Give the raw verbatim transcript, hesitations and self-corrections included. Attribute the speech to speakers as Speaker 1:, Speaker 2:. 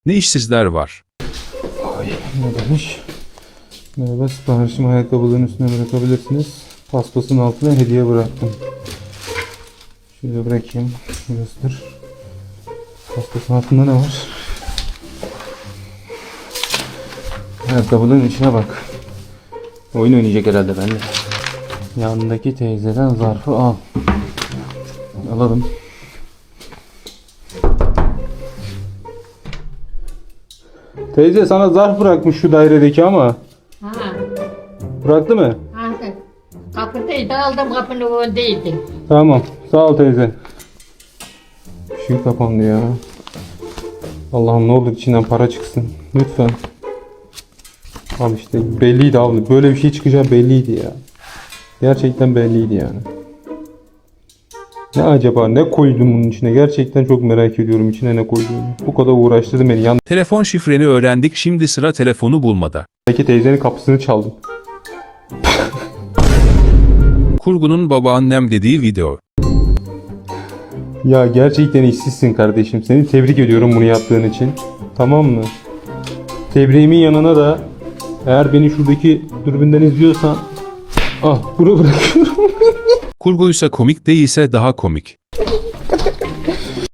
Speaker 1: Ne işsizler var.
Speaker 2: Ay, ne demiş? Merhaba, siparişimi ayakkabıların üstüne bırakabilirsiniz. Paspasın altına hediye bıraktım. Şöyle bırakayım. Göster. Paspasın altında ne var? Ayakkabıların içine bak. Oyun oynayacak herhalde benimle. Yanındaki teyzeden zarfı al. Alalım. Teyze sana zarf bırakmış şu dairedeki ama.
Speaker 3: Ha,
Speaker 2: Bıraktı mı?
Speaker 3: ha. Kapıdaydı, aldım kapının önündeydi.
Speaker 2: Tamam. Sağ ol teyze. Işığı kapandı ya. Allah'ım ne olur içinden para çıksın. Lütfen. Abi işte belliydi abi. Böyle bir şey çıkacağı belliydi ya. Gerçekten belliydi yani. Ne acaba ne koydum bunun içine? Gerçekten çok merak ediyorum içine ne koyduğunu. Bu kadar uğraştırdı beni. Yandaki
Speaker 1: Telefon şifreni öğrendik, şimdi sıra telefonu bulmada.
Speaker 2: teyzenin kapısını çaldım.
Speaker 1: Kurgunun babaannem dediği video.
Speaker 2: Ya gerçekten işsizsin kardeşim. Seni tebrik ediyorum bunu yaptığın için. Tamam mı? Tebriğimin yanına da eğer beni şuradaki dürbünden izliyorsan ah bunu bırakıyorum.
Speaker 1: Kurguysa komik, değilse daha komik.